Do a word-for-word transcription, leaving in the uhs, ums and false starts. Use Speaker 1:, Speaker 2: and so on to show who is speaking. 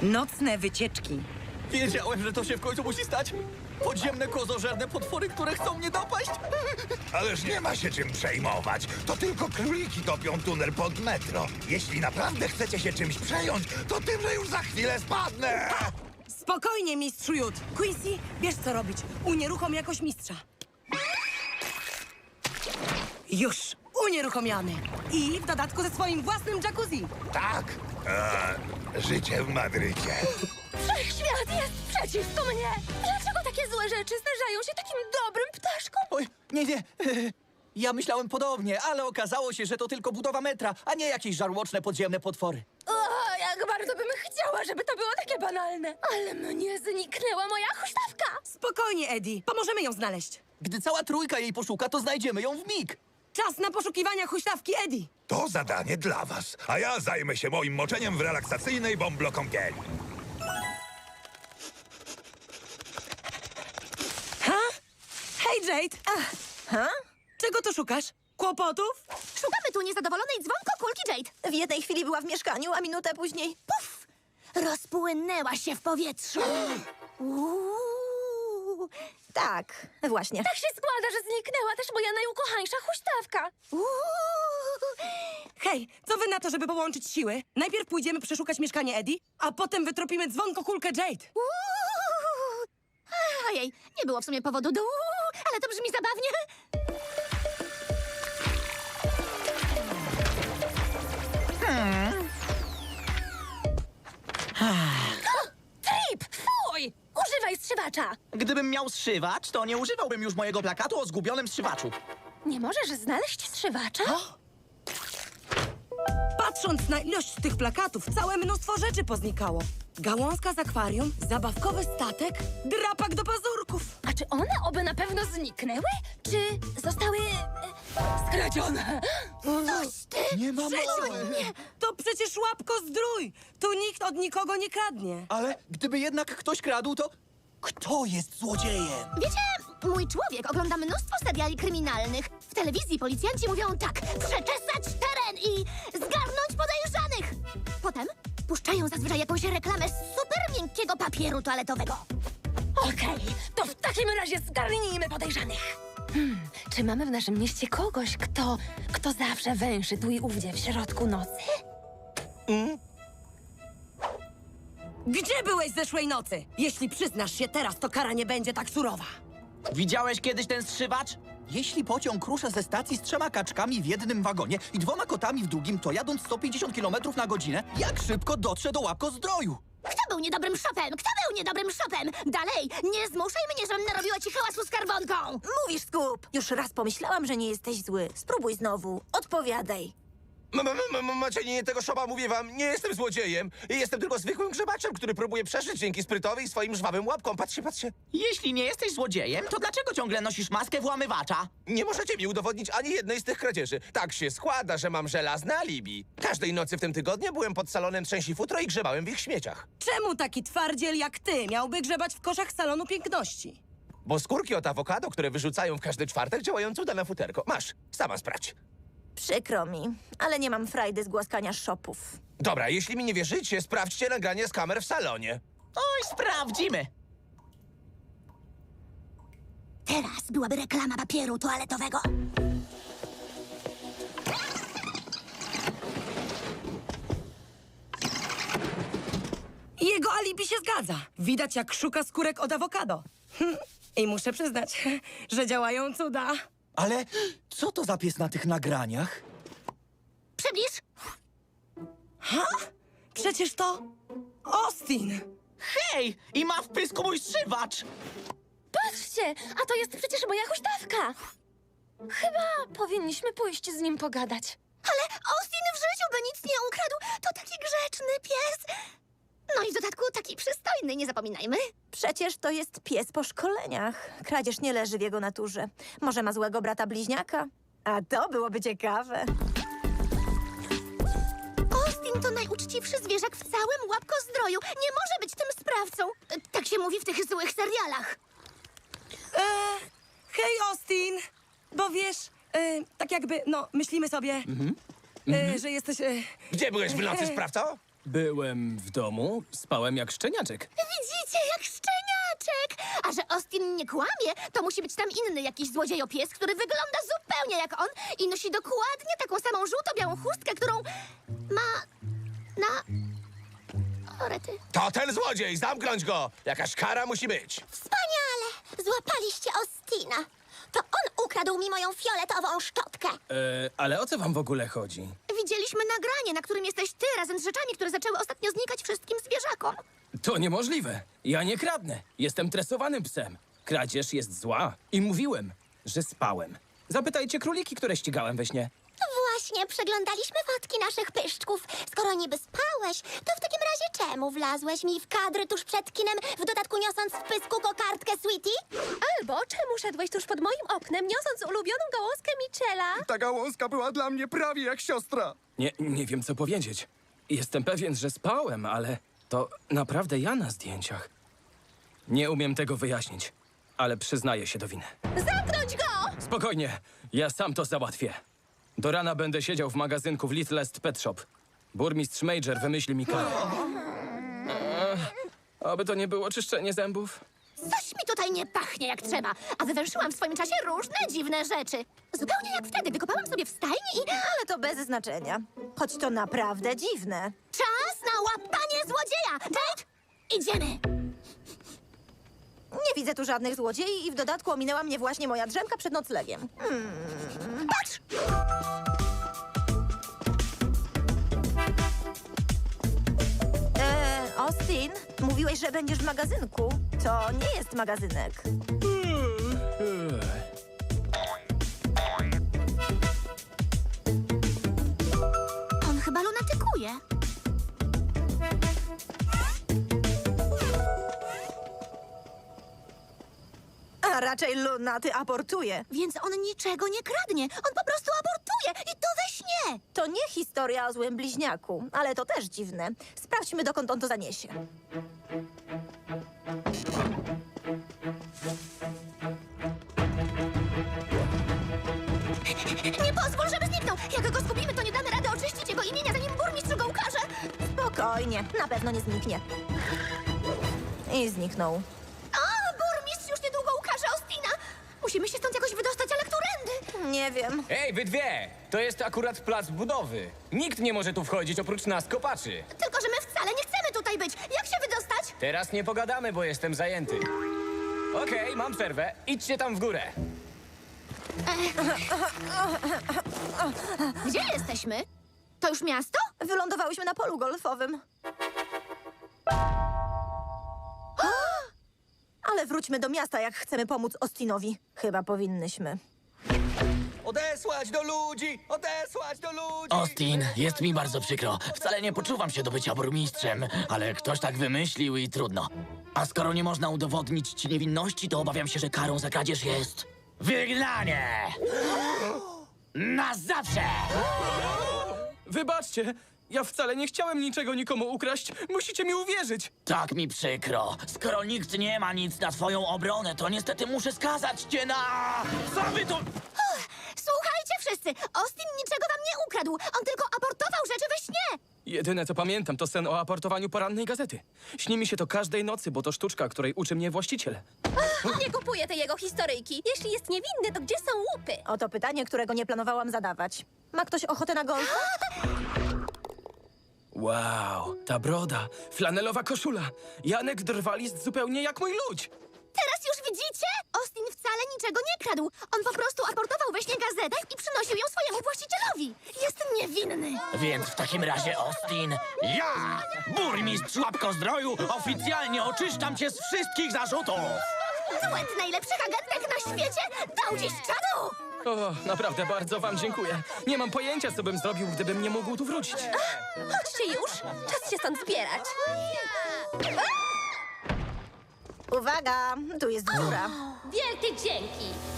Speaker 1: Nocne wycieczki.
Speaker 2: Wiedziałem, że to się w końcu musi stać. Podziemne kozożerne potwory, które chcą mnie dopaść.
Speaker 3: Ależ nie ma się czym przejmować. To tylko króliki topią tunel pod metro. Jeśli naprawdę chcecie się czymś przejąć, to tym, że już za chwilę spadnę.
Speaker 1: Spokojnie, mistrzu Jud. Quincy, wiesz co robić. Unieruchom jakoś mistrza. Już, unieruchomiony. I w dodatku ze swoim własnym jacuzzi.
Speaker 3: Tak. Eee, życie w Madrycie.
Speaker 4: Wszechświat jest przeciwko mnie! Dlaczego takie złe rzeczy zdarzają się takim dobrym ptaszkom?
Speaker 2: Oj, nie, nie. Ja myślałem podobnie, ale okazało się, że to tylko budowa metra, a nie jakieś żarłoczne podziemne potwory.
Speaker 4: O, jak bardzo bym chciała, żeby to było takie banalne. Ale mnie zniknęła moja huśtawka!
Speaker 1: Spokojnie, Eddie. Pomożemy ją znaleźć.
Speaker 2: Gdy cała trójka jej poszuka, to znajdziemy ją w mig.
Speaker 1: Czas na poszukiwania huśtawki Eddie.
Speaker 3: To zadanie dla was, a ja zajmę się moim moczeniem w relaksacyjnej bąblokąpieli.
Speaker 1: Ha? Hej, Jade.
Speaker 4: Ach, ha?
Speaker 1: Czego tu szukasz? Kłopotów?
Speaker 4: Szukamy tu niezadowolonej dzwonkokulki Jade. W jednej chwili była w mieszkaniu, a minutę później puf! Rozpłynęła się w powietrzu. Uuu, tak, właśnie. Tak się składa, że zniknęła też moja najukochańsza huśtawka. Uuu.
Speaker 1: Hej, co wy na to, żeby połączyć siły? Najpierw pójdziemy przeszukać mieszkanie Eddie, a potem wytropimy dzwonkokulkę Jade.
Speaker 4: Uuu. Ojej, nie było w sumie powodu do uuu, ale to brzmi zabawnie. Trip! Fuj! Używaj strzywacza!
Speaker 2: Gdybym miał strzywacz, to nie używałbym już mojego plakatu o zgubionym strzywaczu.
Speaker 4: Nie możesz znaleźć strzywacza?
Speaker 1: Patrząc na ilość tych plakatów, całe mnóstwo rzeczy poznikało. Gałązka z akwarium, zabawkowy statek, drapak do pazurków.
Speaker 4: A czy one oby na pewno zniknęły? Czy zostały e, skradzione? Coś ty!
Speaker 2: Nie ma mowy.
Speaker 1: To przecież łapko zdrój! Tu nikt od nikogo nie kradnie.
Speaker 2: Ale gdyby jednak ktoś kradł, to kto jest złodziejem?
Speaker 4: Wiecie, mój człowiek ogląda mnóstwo seriali kryminalnych. W telewizji policjanci mówią tak: przeczesać teren i zgarnąć podejrzanych. Potem puszczają zazwyczaj jakąś reklamę z super miękkiego papieru toaletowego. Okej, to w takim razie zgarnijmy podejrzanych. Hmm, czy mamy w naszym mieście kogoś, kto, kto zawsze węszy tu i ówdzie w środku nocy?
Speaker 1: Gdzie byłeś zeszłej nocy? Jeśli przyznasz się teraz, to kara nie będzie tak surowa.
Speaker 2: Widziałeś kiedyś ten strzywacz? Jeśli pociąg rusza ze stacji z trzema kaczkami w jednym wagonie i dwoma kotami w drugim, to jadąc sto pięćdziesiąt kilometrów na godzinę, jak szybko dotrze do łapkozdroju?
Speaker 4: Kto był niedobrym szopem? Kto był niedobrym szopem? Dalej, nie zmuszaj mnie, żebym narobiła ci hałasu z skarbonką!
Speaker 5: Mówisz, Skup. Już raz pomyślałam, że nie jesteś zły. Spróbuj znowu. Odpowiadaj.
Speaker 6: M- m- m- Macie nie tego szoba, mówię wam, nie jestem złodziejem. Jestem tylko zwykłym grzebaczem, który próbuje przeżyć dzięki sprytowi i swoim żwawym łapkom. Patrzcie, patrzcie.
Speaker 2: Jeśli nie jesteś złodziejem, to dlaczego ciągle nosisz maskę włamywacza?
Speaker 6: Nie możecie mi udowodnić ani jednej z tych kradzieży. Tak się składa, że mam żelazne alibi. Każdej nocy w tym tygodniu byłem pod salonem Trzęsi Futro i grzebałem w ich śmieciach.
Speaker 1: Czemu taki twardziel jak ty miałby grzebać w koszach salonu piękności?
Speaker 6: Bo skórki od awokado, które wyrzucają w każdy czwartek, działają cuda na futerko. Masz, sama sprawdź.
Speaker 5: Przykro mi, ale nie mam frajdy z głaskania szopów.
Speaker 6: Dobra, jeśli mi nie wierzycie, sprawdźcie nagranie z kamer w salonie.
Speaker 2: Oj, sprawdzimy.
Speaker 4: Teraz byłaby reklama papieru toaletowego.
Speaker 1: Jego alibi się zgadza. Widać, jak szuka skórek od awokado. Hm. I muszę przyznać, że działają cuda.
Speaker 2: Ale co to za pies na tych nagraniach?
Speaker 4: Przybliż!
Speaker 1: Ha? Przecież to Austin.
Speaker 2: Hej! I ma w pysku mój strzywacz!
Speaker 4: Patrzcie, a to jest przecież moja huśtawka. Chyba powinniśmy pójść z nim pogadać. Ale Austin w życiu by nic nie ukradł. To taki grzeczny pies. No i w dodatku taki przystojny, nie zapominajmy.
Speaker 5: Przecież to jest pies po szkoleniach. Kradzież nie leży w jego naturze. Może ma złego brata bliźniaka? A to byłoby ciekawe.
Speaker 4: Austin to najuczciwszy zwierzak w całym łapkozdroju. Nie może być tym sprawcą. Tak się mówi w tych złych serialach.
Speaker 1: E, hej, Austin. Bo wiesz, e, tak jakby, no, myślimy sobie, e, że jesteś... E,
Speaker 6: Gdzie byłeś w nocy, sprawco?
Speaker 7: Byłem w domu, spałem jak szczeniaczek.
Speaker 4: Widzicie, jak szczeniaczek! A że Austin nie kłamie, to musi być tam inny jakiś złodziejopies, który wygląda zupełnie jak on i nosi dokładnie taką samą żółto-białą chustkę, którą ma na... O, rety.
Speaker 6: To ten złodziej! Zamknąć go! Jakaś kara musi być.
Speaker 4: Wspaniale! Złapaliście Austina. To on ukradł mi moją fioletową szczotkę.
Speaker 7: E, ale o co wam w ogóle chodzi?
Speaker 4: Widzieliśmy nagranie, na którym jesteś ty razem z rzeczami, które zaczęły ostatnio znikać wszystkim zwierzakom.
Speaker 7: To niemożliwe. Ja nie kradnę. Jestem tresowanym psem. Kradzież jest zła. I mówiłem, że spałem. Zapytajcie króliki, które ścigałem we śnie.
Speaker 4: Właśnie, przeglądaliśmy fotki naszych pyszczków. Skoro niby spałeś, to w takim razie czemu wlazłeś mi w kadry tuż przed kinem, w dodatku niosąc w pysku kokardkę Sweetie?
Speaker 8: Albo czemu szedłeś tuż pod moim oknem, niosąc ulubioną gałązkę Michela?
Speaker 9: Ta gałązka była dla mnie prawie jak siostra.
Speaker 7: Nie, nie wiem, co powiedzieć. Jestem pewien, że spałem, ale to naprawdę ja na zdjęciach. Nie umiem tego wyjaśnić, ale przyznaję się do winy.
Speaker 8: Zamknąć go!
Speaker 7: Spokojnie, ja sam to załatwię. Do rana będę siedział w magazynku w Littlest Pet Shop. Burmistrz Major wymyśli mi karę. Eee, Oby to nie było czyszczenie zębów.
Speaker 4: Coś mi tutaj nie pachnie jak trzeba, a wywęszyłam w swoim czasie różne dziwne rzeczy. Zupełnie jak wtedy, wykopałam sobie w stajni i...
Speaker 5: Ale to bez znaczenia. Choć to naprawdę dziwne.
Speaker 4: Czas na łapanie złodzieja! Jade, idziemy!
Speaker 5: Nie widzę tu żadnych złodziei i w dodatku ominęła mnie właśnie moja drzemka przed noclegiem.
Speaker 4: Patrz!
Speaker 5: Eee, Austin, mówiłeś, że będziesz w magazynku. To nie jest magazynek.
Speaker 4: On chyba lunatykuje.
Speaker 5: A raczej lunaty abortuje.
Speaker 4: Więc on niczego nie kradnie. On po prostu abortuje i to we śnie.
Speaker 5: To nie historia o złym bliźniaku, ale to też dziwne. Sprawdźmy, dokąd on to zaniesie.
Speaker 4: Nie pozwól, żeby zniknął. Jak go zgubimy, to nie damy rady oczyścić jego imienia, zanim burmistrz go ukaże.
Speaker 5: Spokojnie, na pewno nie zniknie. I zniknął.
Speaker 4: A, burmistrz już niedługo ukaże Austina. Musimy się stąd jakoś wydostać, ale którędy?
Speaker 5: Nie wiem.
Speaker 10: Ej, wy dwie! To jest akurat plac budowy. Nikt nie może tu wchodzić oprócz nas, kopaczy.
Speaker 4: Tylko, że my wcale nie chcemy tutaj być. Jak się wydostać?
Speaker 10: Teraz nie pogadamy, bo jestem zajęty. Okej, mam przerwę. Idźcie tam w górę.
Speaker 4: Gdzie jesteśmy? To już miasto?
Speaker 5: Wylądowałyśmy na polu golfowym. Ale wróćmy do miasta, jak chcemy pomóc Austinowi. Chyba powinnyśmy.
Speaker 2: Odesłać do ludzi! Odesłać do ludzi!
Speaker 11: Austin, jest mi bardzo przykro. Wcale nie poczuwam się do bycia burmistrzem, ale ktoś tak wymyślił i trudno. A skoro nie można udowodnić ci niewinności, to obawiam się, że karą za kradzież jest wygnanie! Na zawsze!
Speaker 7: Wybaczcie, ja wcale nie chciałem niczego nikomu ukraść. Musicie mi uwierzyć.
Speaker 11: Tak mi przykro. Skoro nikt nie ma nic na twoją obronę, to niestety muszę skazać cię na... Co wy to...
Speaker 4: Słuchajcie wszyscy, Austin niczego wam nie ukradł. On tylko abortował rzeczy we śnie.
Speaker 7: Jedyne, co pamiętam, to sen o aportowaniu porannej gazety. Śni mi się to każdej nocy, bo to sztuczka, której uczy mnie właściciel.
Speaker 8: Nie kupuję tej jego historyjki. Jeśli jest niewinny, to gdzie są łupy?
Speaker 5: Oto pytanie, którego nie planowałam zadawać. Ma ktoś ochotę na golfa?
Speaker 7: Wow, ta broda, flanelowa koszula. Janek Drwalist zupełnie jak mój ludź.
Speaker 4: Teraz już widzicie? Austin wcale niczego nie kradł. On po prostu abortował we śnie gazetę i przynosił ją swojemu właścicielowi. Jest niewinny.
Speaker 11: Więc w takim radzie, Austin, ja, burmistrz Łapkozdroju, oficjalnie oczyszczam cię z wszystkich zarzutów!
Speaker 4: Duet najlepszych agentek na świecie dał dziś czadu!
Speaker 7: O, naprawdę bardzo wam dziękuję. Nie mam pojęcia, co bym zrobił, gdybym nie mógł tu wrócić.
Speaker 8: Chodźcie już. Czas się stąd zbierać.
Speaker 5: Uwaga, tu jest dziura.
Speaker 8: Wielkie dzięki.